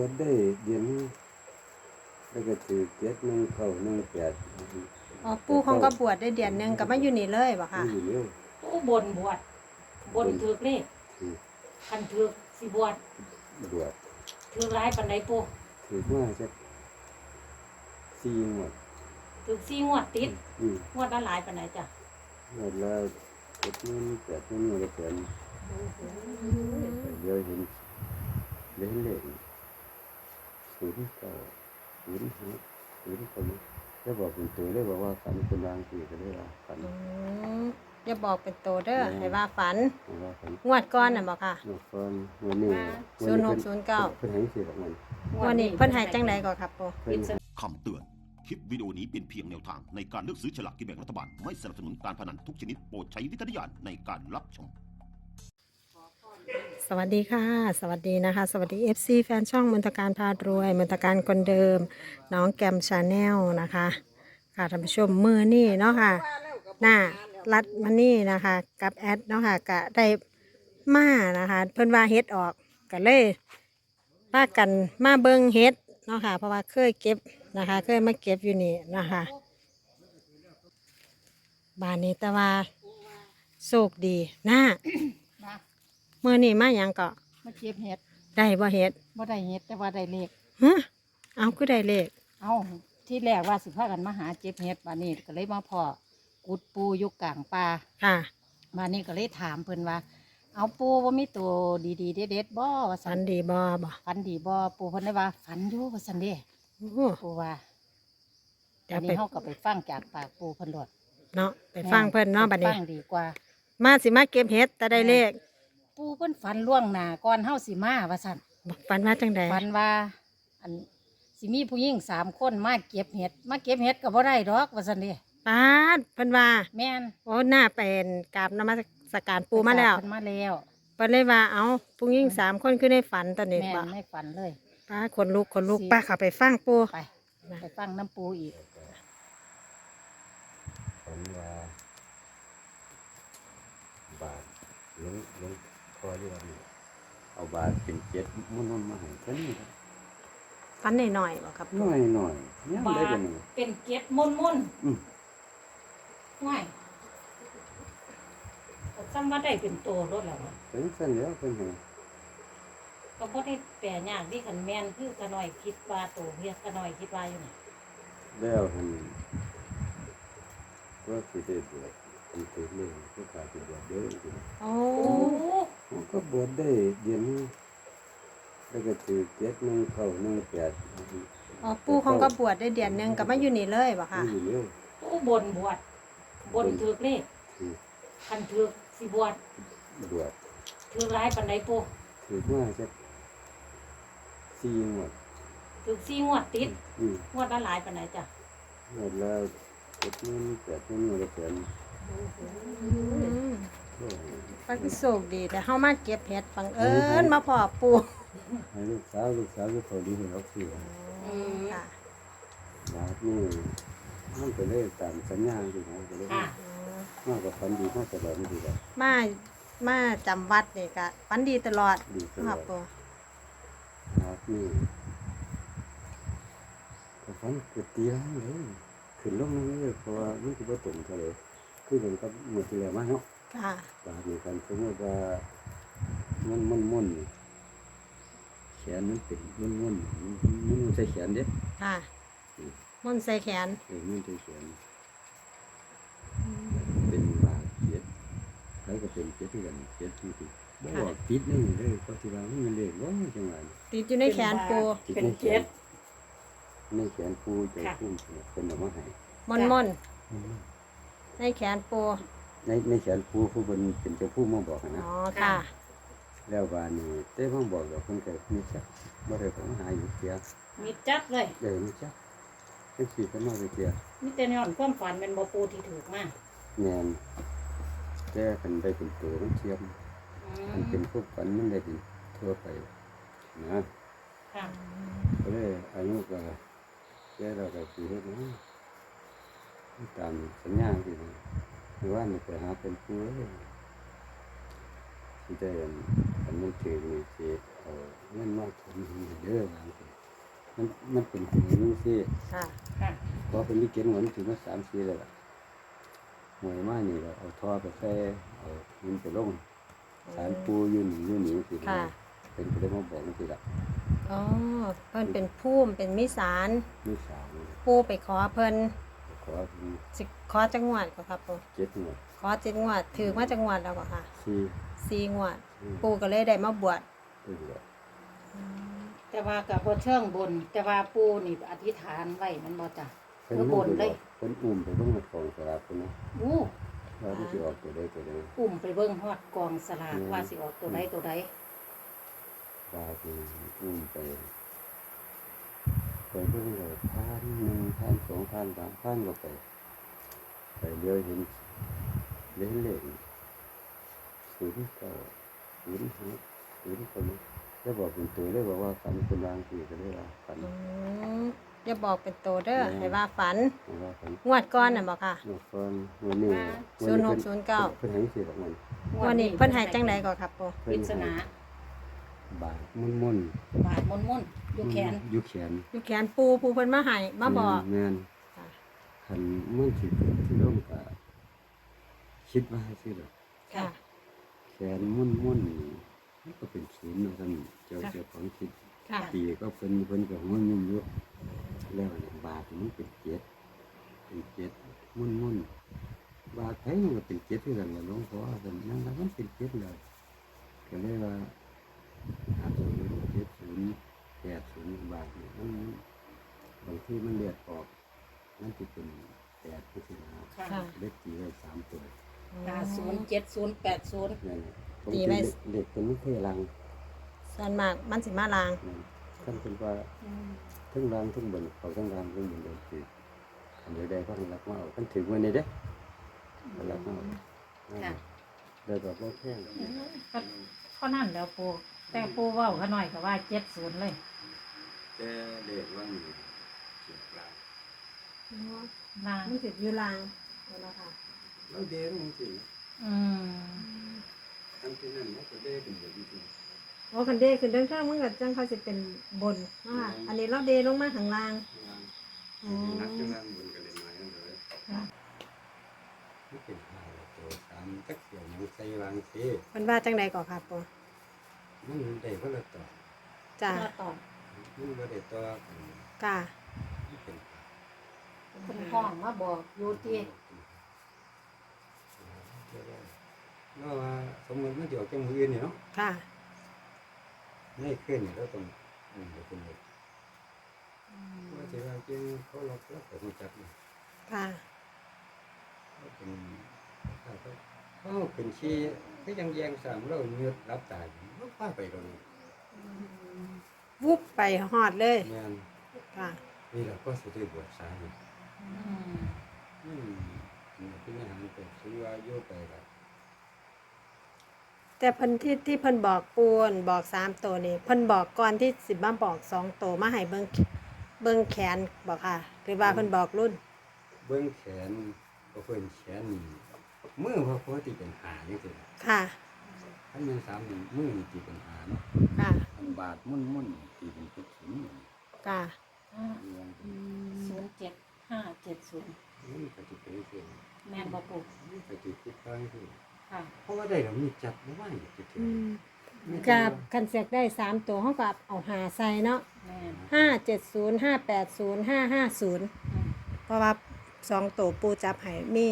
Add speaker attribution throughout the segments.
Speaker 1: วชได้เดือนนี้แล้วก็ถือ7 1 9 1 8
Speaker 2: อ๋อปู่ของก็บวชได้เดือนหนึงก็มาอยู่นี่เลยบ่ค่ะ
Speaker 1: นี่อยู่เลย
Speaker 3: ผู้บนบวชบนถือกเลข
Speaker 1: ถือ
Speaker 3: คันถือกสิบวช
Speaker 1: บวช
Speaker 3: ถือกร้ายปันใดปู
Speaker 1: ถือว่าจะ4 งวด
Speaker 3: ถือก4 งวดติด
Speaker 1: อืม
Speaker 3: งวดละหลายปันใดจ้ะ
Speaker 1: งวดละ7 1 8 1งวดละแสนเดี๋ยวเห็นเลข09 05 แล้วบอกเป็นตัวเลยบอกว่าฝันคนวางสีก็ได้ว่าฝัน
Speaker 2: อย่าบอกเป็นโตเด้อให้ว่าฝัน
Speaker 1: ว่าฝัน
Speaker 2: งวดก่อนน่ะบ่ค่ะ
Speaker 1: นกฟันวันนี้
Speaker 2: 0609
Speaker 1: เพิ่นให้สิดอกมัน
Speaker 2: วันนี้เพิ่นให้จังไดก่อนครับปู่
Speaker 1: เพิ่น
Speaker 4: คำเตือน คลิปวิดีโอนี้เป็นเพียงแนวทางในการเลือกซื้อฉลากกินแบ่งรัฐบาล ไม่สนับสนุนการพนันทุกชนิดโปรดใช้วิจารณญาณในการรับชม
Speaker 2: สวัสดีค่ะ สวัสดีนะคะ สวัสดี FC แฟนช่องมนตการพารวยมนตการคนเดิม น้องแกมชาแนลนะคะค่ะท่านผู้ชมมือนี่เนาะค่ะหน้ารัดมานี่นะคะกับแอดเนาะค่ะก็ได้มานะคะเพิ่นว่าเฮ็ดออกก็เลยพากันมาเบิ่งเฮ็ดเนาะค่ะเพราะว่าเคยเก็บนะคะเคยมาเก็บอยู่นี่นะคะบ้านนี้แต่ว่าโชคดีนะ
Speaker 5: มา
Speaker 2: มือนี่มาหยังก็
Speaker 5: มาเก็บเห็ด
Speaker 2: ได้บ่เฮ็ด
Speaker 5: บ่ได้เห็ดแต่ว่าได้เลข
Speaker 2: ฮะเอาคือได้เลข
Speaker 5: เอาที่แรกว่าสิพากันมาหาเก็บเห็ดบานนี้ก็เลยมาพอกุดปูอยู่กลางป่า
Speaker 2: ค่ะ
Speaker 5: บานนี้ก็เลยถามเพิ่นว่า เอาปูว่ามีตัวดีๆเด็ดๆบ่ว่า
Speaker 2: ฝั
Speaker 5: สั
Speaker 2: น
Speaker 5: น
Speaker 2: ดีบ่บ่
Speaker 5: ฝันดีบ่ปูเพิ่นได้ว่าฝันอยู่ว่าสันเด้
Speaker 2: โอ้โห
Speaker 5: ปูว่า
Speaker 2: เดี๋ย
Speaker 5: อั
Speaker 2: วน ไป
Speaker 5: นี้เฮาก็ไปฟังจากปากปูเพิ่นโลด
Speaker 2: เนาะไปฟังเพิ่นเนาะบัดนี้
Speaker 5: ฟังดีกว่า
Speaker 2: มาสิมาเก็บเห็ดแต่ได้เลข
Speaker 5: ปูเพิ่นฝันล่วงหน้าก่อนเฮาสิมาว่าซั่น
Speaker 2: บอกฝันว่าจังใด
Speaker 5: ฝันว่าอันสิมีผู้หญิง3 คนมาเก็บเห็ดก็บ่ได้ดอกว่าซั่นเด้
Speaker 2: ปาดเพิ่นว่า
Speaker 5: แม่น
Speaker 2: โอ้หน้าเป็นกราบนมัสการปู่มาแล้ว
Speaker 5: เพิ่นมาแล้ว
Speaker 2: เพิ่นเลยว่าเอาผู้หญิง3 คนคือในฝันตอนนี้
Speaker 5: แม่
Speaker 2: บ่
Speaker 5: ไม่ฝันเลย
Speaker 2: ป้าคนลุกป้าเข้าไปฟังปู่
Speaker 5: ไปไปฟังน้ำปูอีก
Speaker 1: ฝันว่าบาทลงคอที่ว่านี่เอาบาทเป็น7มุ่นๆมาให้เท่านี้ครับ
Speaker 2: ฝันหน่อยๆบ่ครับ
Speaker 1: หน่อยยัง
Speaker 3: บา
Speaker 1: ได้
Speaker 3: ท
Speaker 1: บ่นี่
Speaker 3: เป็นเก็ดมุน
Speaker 1: อืม
Speaker 3: ง่ายก็ซ้ำว่าได้เป็นโตรถแล้วอะ
Speaker 1: เป็นซั่นแล้วเพิ่นให้
Speaker 3: ก็บ่ได้แปลยากที่ขันแม่นคือกระหน่อยคิดว่าโตเฮียกระหน่อยคิดว่าอยู่นี่
Speaker 1: แล้วหั่นว่าสิได้บวชเป็นตัวเลยก็ขาดสิบวชเด้อจริง
Speaker 2: โอ้
Speaker 3: โอ้
Speaker 1: ผมก็บวชได้เดือนนี้แล้วก็ถือ7 1 9 1 8
Speaker 2: อ๋อปู่ของก็บวชได้เดือนหนึงก็มาอยู่นี่เลยบ่ค่ะ
Speaker 1: นี่อยู่เลย
Speaker 3: ผู้บนบวชบนถือกเลข
Speaker 1: ถือ
Speaker 3: คันถือกสิบวช
Speaker 1: บวช
Speaker 3: ถือกร้ายปันใดปู
Speaker 1: ถือว่าจะ4 งวด
Speaker 3: ถือก4 งวดติด
Speaker 1: อืม
Speaker 3: งวดละหลายปันใดจ้ะ
Speaker 1: งวดละ7 8 1งวดละแสน
Speaker 2: อืม
Speaker 1: โอ้ย
Speaker 2: ก็คือโชคดีแต่เฮามาเก็บเห็ดบังเอิญมาพอปู่
Speaker 1: ให้ลูกสาวก็เขาดีให้เขาซื้อ
Speaker 2: ค่ะ
Speaker 1: บาทนี่มันก็เลยตามสัญญาที่เขาก็เลย
Speaker 3: ค่ะ
Speaker 1: มากกว่าฝันดีมากตลอดนี่ดีกว่า
Speaker 2: มาจำวัดนี่ก็ฝันดีตลอด
Speaker 1: ดีตล
Speaker 2: ค
Speaker 1: อ
Speaker 2: รั
Speaker 1: ด
Speaker 2: บปู่
Speaker 1: บาทนี่ก็ฝันเกิดตีแล้วเลยขึ้นลงนั่นเลยเพราะว่ามันคือว่าตรงเท่าเลยคือเหมือนกับหมดที่แล้วมาเนาะ
Speaker 2: ค่ะ
Speaker 1: บาทนี่กันสมมติว่ามันแขนมันเป็นมันใส่แขนเด้
Speaker 2: ค่ะมนต์ใส่แขน
Speaker 1: มันใส่แขนเป็นบาทเจ็ดใครก็เป็นเจ็ดที่กันเจ็ดที่ติดบอกติดนี่เลยเพราะที่ว่ามันเลยว่าจังหวะ
Speaker 2: ติดอยู่ในแขนปู
Speaker 1: ติด
Speaker 3: เป็น
Speaker 1: ในแข
Speaker 3: เก็
Speaker 1: น
Speaker 3: ด
Speaker 1: ในแขนปูใจพุ่มเป็นออกมาให้
Speaker 2: มนในแขนปู
Speaker 1: ในแขนปูผู้เป็นเจ้าผู้มาบอกนะ
Speaker 2: อ๋อค่ะ
Speaker 1: แล้วว่านี่เต้พ่อบอกกับคนเกิดนี่จักบ่ได้ผมหาอยู่เสีย
Speaker 3: มีจัดเลย
Speaker 1: นี่จักเป็นสีกันมาไปเสีย
Speaker 3: มีแต่ย้อนความฝันเป็นบ่ปูที่ถูกมาก
Speaker 1: แม่นแก้กันได้เป็นตัวมันเทียมมันเป็นพวกฝันมันได้เป็นทั่วไปนะ
Speaker 3: ค่ะ
Speaker 1: ก็เลยอายุก็แก้เราก็สิเฮ็ดนะตามสัญญาที่หรือว่านี่ไปหาเป็นผู้สิได้ไปนมันถือนี่สิเอาเงินมาทำให้เด้อมันเป็นหูนึงสิ
Speaker 2: ค่ะ
Speaker 5: ค่ะ
Speaker 1: เพราะเป็นที่เก็บเงินถึงมา3-4แล้วล่ะหวยมานี่เราเอาท่อไปใส่เอาเงินไปลงสารปูอยู่นี่สิ
Speaker 2: ค่ะ
Speaker 1: เป็นก็ได้มาบอกนี่สิล่ะ
Speaker 2: อ๋อเพิ่นเป็นภูมิเป็นมิสาร
Speaker 1: มีสาม
Speaker 2: ปูไปขอเพิ่น
Speaker 1: ขอถึง
Speaker 2: สิขอจังหวัดก็ครับปู
Speaker 1: 7งวด
Speaker 2: ขอ7งวดถือมาจังหวัดแล้วก็ค่ะ
Speaker 1: 4
Speaker 2: 4งวด ปูก็เลยได้มาบวช
Speaker 1: เป็นแบบ
Speaker 5: แต่ว่ากับบ่เชิงบน แต่ว่าปูนี่อธิษฐานไว้มันบ่จ้ะ
Speaker 1: เพิ่น
Speaker 5: เออบนเลย
Speaker 1: เพิ่นอุ้มไปเบิ่งในกองสลากพุ่นนะ
Speaker 5: อู้
Speaker 1: ว่ามันสิออกตัวใดตัวใด
Speaker 5: อุ้มไปเบิ่งฮอดกองสลากว่าสิออกตัวใดตัวใด
Speaker 1: ว่าคืออุ้มไปเบิ่งเลย1,000 2,000 3,000ก็ไปเลี้ยวเห็นเลข09 แล้วบอกเป็นตัวเลยบอกว่าฝันเป็นรางสีก็เลยว่าฝัน
Speaker 2: อย่าบอกเป็นโตเด้อให้ว่าฝัน
Speaker 1: ว่าฝัน
Speaker 2: งวดก่อนน่ะบ่ค่ะ
Speaker 1: เมื่อก่อนวันนี้
Speaker 2: 0609
Speaker 1: เพิ่นให้สิดอกมัน
Speaker 2: วันนี้เพิ่นให้จังไดก็ครับปู
Speaker 5: ปริศนา
Speaker 1: บาทมุ่น
Speaker 5: บาดมนๆอยู่แขน
Speaker 1: อยู่แขน
Speaker 2: อยู่แขนปูเพิ่นมาให้มาบอก
Speaker 1: แม่น
Speaker 2: ค่ะ
Speaker 1: คันมันสิเกิดที่ร่มก็คิดว่าสิดอก
Speaker 2: ค่ะ
Speaker 1: แขนมุ่นมันก็เป็นศูนย์เนาะท่านเจ้าของคิด
Speaker 2: ค่ะ
Speaker 1: ปีก็เพิ่นก็หัวยุ่งอยู่แล้วเนี่ยบาทมันเป็นเจ็ดมุ่นบาทไผมันก็เป็นเจ็ดคือกันล่ะหลวงพ่อเพิ่นนั่นล่ะมันเป็นเจ็ดแล้วก็เลยว่า50 70 80บาทเนี่ยมันบางทีมันเลือดออกมันสิเป็น8คือสินะ
Speaker 5: ค่ะ
Speaker 2: ค่ะ
Speaker 1: เลขตีไว้3ตัว
Speaker 5: 50 70 80
Speaker 1: นั่นแหละผม
Speaker 2: ตีไว้
Speaker 1: เด็กเป็นลูกเทลัง
Speaker 2: ส่วนมากมันสิมาลาง
Speaker 1: นั่นท่านเป็นว่าทั้งรางทั้งบนเขาทั้งรางทั้งบนเลยคืออันเดียวได้ก็รักมาเอาท่านถือวันนี้เด้รักมาเอา
Speaker 5: ค่ะ
Speaker 1: ได้แบบว่าแค่
Speaker 3: ก็นั่นแล้วปูแต่ปูเว้าเขาหน่อยก็ว่า70เลย
Speaker 1: แต่เด็กว่ามีเสียปลา
Speaker 3: นาง
Speaker 2: มันสิอยู่ลางเนาะค่ะ
Speaker 1: แล้วเด็กมันจริง
Speaker 3: อืม
Speaker 1: ทั้งที่นั่นมันก็ได้เป็นแบบนี้
Speaker 2: โอ้คันเดขึ้นเรื่องข้างมันก็จังเขาสิเป็นบนเนาะค่ะอันนี้เราเดลงมาข้างล่าง
Speaker 1: นักจะร่างบนกันเลยมาเลยไม่เป็นหาตัวตามตักเกี่ยวยังใส่วางเท
Speaker 2: เพิ่นว่าจังใดก็ครับปู
Speaker 1: มันได้ก็ละต่อ
Speaker 2: จ้า
Speaker 5: ก็ตอบ
Speaker 1: มันก็ได้ต่อกัน
Speaker 2: กะ
Speaker 1: ไม่เป็น
Speaker 5: เพิ่นห้องมาบอกอยู่ที่
Speaker 1: เนาะว่าสมมติมันเดี๋ยวจังมือนี่เนาะ
Speaker 2: ค่ะ
Speaker 1: ไม่ขึ้นนี่เราต้องเดี๋ยวเป็นเด็กว่าจะว่าจริงเขาเราแต่มันจับนี่
Speaker 2: ค่ะ
Speaker 1: เป็นเขาเป็นชี้ที่ยังแยงสามเราเงือดรับตายมันพาไปตรงนี้
Speaker 2: วุบไปฮอดเลย
Speaker 1: แม่น
Speaker 2: ค่ะ
Speaker 1: นี่เราก็สุดที่บวชสายนี่
Speaker 5: อืม
Speaker 1: เป็นอาหารเป็นซื้อว่าโยไปแล้ว
Speaker 2: แต่เพิ่นที่เพิ่นบอกปูนบอก3ตัวนี่เพิ่นบอกก่อนที่สิมาบอก2ตัวมาให้เบิ่งแขนบอกค่ะหรือว่าเพิ่นบอกรุ่น
Speaker 1: เบื้องแขนก็เพิ่นแขนนี่มือพอปกติเป็นหาจังซี่
Speaker 2: ค่ะ
Speaker 1: ถ้ามันสามนี่มือนี่ตีเป็นหาเนาะ
Speaker 2: ค่ะ
Speaker 1: อันบาทมุ่นตีเป็นพุทธิน
Speaker 2: ค่ะ
Speaker 5: 07570
Speaker 1: นี่ก็จะเป็นเรื่อง
Speaker 5: แม่นบ่ปู
Speaker 1: นี่ก็จะคิดตั้งคือ
Speaker 5: ค่ะ
Speaker 1: เพราะว่าได้เรามีจับไม่ไหวจะถึง
Speaker 2: กับคันเสียกได้3ตัวเฮาก็เอา5ใส่เนาะ
Speaker 5: แม่น
Speaker 2: 570 580 550
Speaker 5: อืม
Speaker 2: เพราะว่า2ตัวปูจับให้มี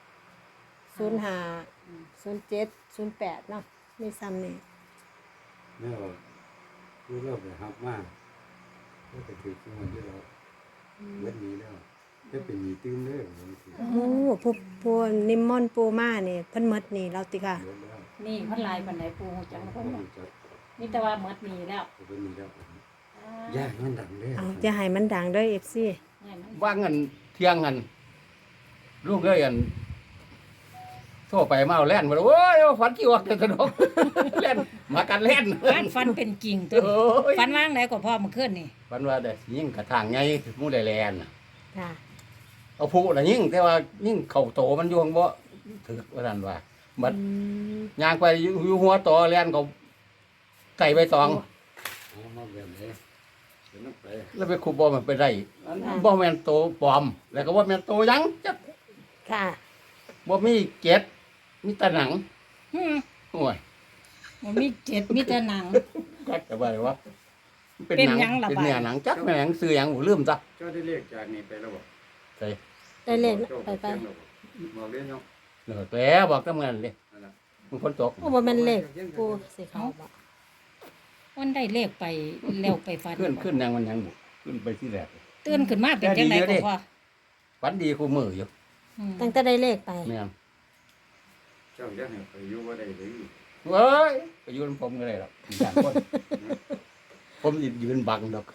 Speaker 2: 05 07 08เนาะมีซ้ำนี่
Speaker 1: แล้วคือเราไปหับมากก็จะถือขึ้นมาที่เราเวทนี้แล้วจะเป็นมีตื้นเด้อมันคือ
Speaker 2: โอ้ผู้นิมมนต์ปูมานี่เพิ่นหมดนี่แล้วติค่ะ
Speaker 1: เยอะแล้ว
Speaker 5: นี่เพิ่นลายปานใดปูจัง
Speaker 1: เพ
Speaker 5: เพิ่
Speaker 1: ราะ
Speaker 5: น
Speaker 1: มันจะ
Speaker 5: นี่แต่ว่าหมดนี้แล้ว
Speaker 1: เป็นมีแล้วยากมันดังเด้อ
Speaker 2: เอาอย่าให้มันดังเด้อ FC
Speaker 5: เนี่ยมัน
Speaker 6: ว่าเงินเที่ยงเงินลูกเอ้ยอันโทรไปมาเอาแล่นมาโอ้ยฝันกี่วักจะสนุก แล่นมากันแล่น
Speaker 5: บ้านฟันเป็นกิ่งตัว
Speaker 6: โอ้ย
Speaker 5: ฟันว่างไหนก็พ่อมาขึ้นนี่
Speaker 6: ฝันว่าได้ยิ่งกระถางไงมู่ได้แลนน่ะ
Speaker 2: ค่ะ
Speaker 6: เอาผู้น่ะยิ่งแต่ว่ายิ่งเข่าโตมันยวงบ่ถือว่านั่นว่าบัด
Speaker 2: อืม
Speaker 6: ย่างไปอยู่หัวต่อแล่นเขาไก่ใบตอง
Speaker 1: เอามาแบบไหนเดี๋ยวมันไป
Speaker 6: แล้วไปคูบอมันไปได้บ่แม่นโตปลอม แล้วก็บ่แม่นโตหยังจัก
Speaker 2: ค่ะ
Speaker 6: บ่มีเกล็ดมีแต่หนัง
Speaker 5: อืม
Speaker 6: โอ้ย
Speaker 5: บ่มีเจ็ดมีแต่หนัง
Speaker 6: กัดจะว่าอะไรวะมันเป็น
Speaker 5: เป็น
Speaker 6: หนัง
Speaker 5: หยังล่ะ
Speaker 6: เป็น
Speaker 5: บาด
Speaker 6: เนื้อหนังจักแม่หนังซื้อหยังหูลืมจ้ะ
Speaker 1: เจ้าได้เลขจากนี้ไปแล้วบ่
Speaker 6: ใส่
Speaker 2: ได้เลข
Speaker 1: จ้า
Speaker 2: ไป
Speaker 1: เขียนแล้วบ่บอกเลยเนาะ
Speaker 6: เลิกแล้วบอกทำงานเลย
Speaker 1: นั่นล่ะ
Speaker 6: มันคนตก
Speaker 2: โอ้บ่แม่นเลขปูสิเขาบ่
Speaker 5: วันได้เลขไปแล้วไปฝัน
Speaker 6: ขึ้นยังมันยังบุขึ้นไปที่แรก
Speaker 5: ตื่นขึ้นมาเป็นจังไดก็พอ
Speaker 6: ฝันดีคู่มืออยู่
Speaker 5: อืม
Speaker 2: ตั้งแต่ได้เลขไป
Speaker 6: แม่น
Speaker 1: เจ้าอย่าให้ไปอยู่บ่ได้เลย
Speaker 6: เว้ยไปยืนผมก็ได้หรอกอย่าง คนผมยืนบังดอก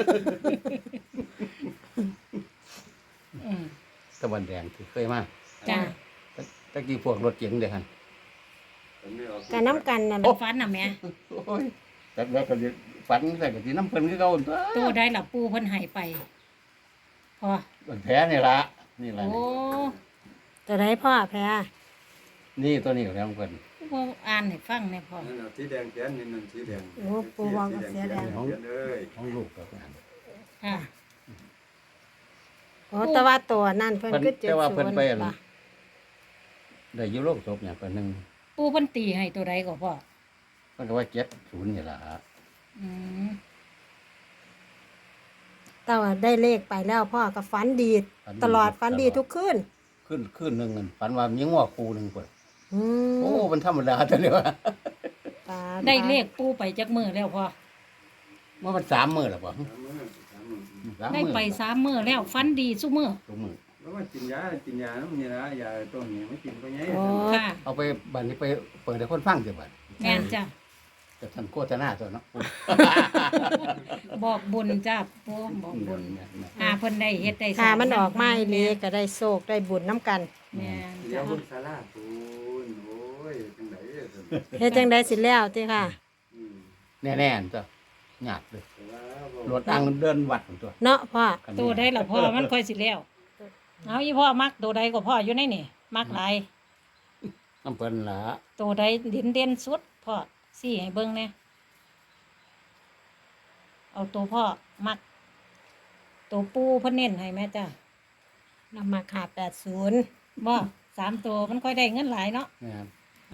Speaker 5: อืม
Speaker 6: ตะวันแดงที่เคยมา
Speaker 5: จ้า
Speaker 6: ตะกี้พวกรถเก๋งเด้อหั่น
Speaker 1: ผมไม่เอา
Speaker 2: การน้ำกันนั่น
Speaker 5: ฝันน่ะแม่
Speaker 6: โอ้ยแต่แล้วก็สิฝันแต่ก็สิน้ำเพิ่นคือเก่าตัว
Speaker 5: ตัวได้ล่ะปูเพิ่นให้ไปพอ
Speaker 6: มันแผลนี่ล่ะนี่ล่ะ
Speaker 5: โอ้
Speaker 2: จะได้พ่อแพ้
Speaker 6: นี่ตัวนี้แล้วเพิ่น
Speaker 5: บ่อ่านให้ฟังแหน่พอ
Speaker 1: นั่นน่ะสีแดงแขนนี่นั่นสีแดง
Speaker 2: โอ้ปูวางกับเสียแดง
Speaker 1: เขียนเลย
Speaker 6: ของลูกกับงาน
Speaker 5: ค่ะ
Speaker 2: โอ้แต่ว่าตัวนั่นเพิ่น
Speaker 6: เพิ่น
Speaker 2: คือ70
Speaker 6: แต่ว่าเพิ่นไปอั่น
Speaker 2: ป่ะ
Speaker 6: ได้อยู่โลกศพอย่างคนหนึง
Speaker 5: ปูเพิ่นตีให้ตัวใดก็พอ
Speaker 6: เพิ่นก็ว่า70นี่ล่ะ
Speaker 5: อืม
Speaker 2: แต่ว่าได้เลขไปแล้วพ่อก็ฝันดี ตลอดฝันดีทุกคืน
Speaker 6: ขึ้นหนึงนั่นฝันว่ามีงัวคู่หนึงเพิ่น
Speaker 2: อืม
Speaker 6: โอ้มันธรรมดาจังเลยว่า
Speaker 2: ตา
Speaker 5: ได้เลขปูไปจักมื้อแล้วพอ
Speaker 6: ว่ามัน3มื้อแล้วบ่
Speaker 1: สามมื้อสามมื้อ
Speaker 6: สาม
Speaker 5: ได้
Speaker 6: มื้อ
Speaker 5: ไป3มื้อแล้วฝันดีซุมื้อ
Speaker 6: ทุกมื้อ
Speaker 1: แล้วว่ากินยาน้ำนี่นะยาตัวนี้ไม่กินก็ไง
Speaker 2: โอ้
Speaker 5: ค่ะ
Speaker 6: เอาไปบัดนี้ไปเปิดให้คนฟังสิบัด
Speaker 5: แม่นจ้ะ
Speaker 6: แต่ท่านโฆษณาตัวเนาะ
Speaker 5: บอกบุญจ้าปูบอกบุญเพิ่นได้เฮ็ดได้
Speaker 2: ค่ะมันออกมาอีหลีก็ได้โชคได้บุญน้ำกัน
Speaker 5: แม่น
Speaker 1: เดี๋ย
Speaker 5: จ้ะ
Speaker 1: วคุณศาลาปูนโอ้ยจังได๋ซั่น
Speaker 2: เฮ็ดจังไดสิแล้วติค่ะ
Speaker 1: อืม
Speaker 6: แน่ๆอันตัวหยาบเลย
Speaker 1: แต่ว่าร
Speaker 6: ถอังเดินวัดของตัว
Speaker 2: เนาะพ่อ
Speaker 5: ตัวใดล่ะพ่อมันค่อยสิแล้วเอาอีพ่อมักตัวใดก็พ่ออยู่ในนี่มักหลาย
Speaker 6: น้ำเพิ่นล่ะ
Speaker 5: ตัวใดเด่นสุดพ่อซี่ให้เบิ่งแหน่เอาตัวพ่อมัก ตัวปูเพิ่นเน้นให้แม่จ้ะ
Speaker 2: นำมาขา80
Speaker 5: บ่3ตัวมันค่อยได้เงินหลายเนาะ
Speaker 6: แม่น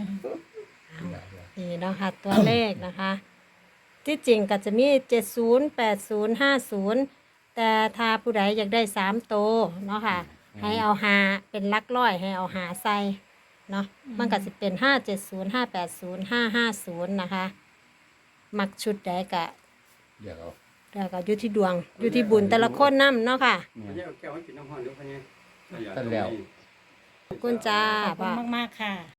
Speaker 2: นี่เนาะค่ะตัวเลขนะคะ ที่จริงก็จะมี 70 80 50 แต่ถ้าผู้ใดอยากได้3โตวเนาะค่ะ ให้เอาหาเป็นหลักร้อยให้เอาหาใส่เนาะมันก็จะเป็น 570 580 550 นะคะ มักชุดใดก็
Speaker 6: เดี๋ยวเอา
Speaker 2: แล้วก็อยู่ที่ดวง อยู่ที่บุญแต่ละคนนำเนาะค่ะ
Speaker 1: พะเนี่ยเอาแก้วให้กินน้ำห้อนเดี๋ยวพะเนี่ย
Speaker 6: ท่านแล้ว
Speaker 2: ขอบคุณจ้า
Speaker 5: ขอบคุ
Speaker 2: พ่อ
Speaker 5: ณมากๆค่ะ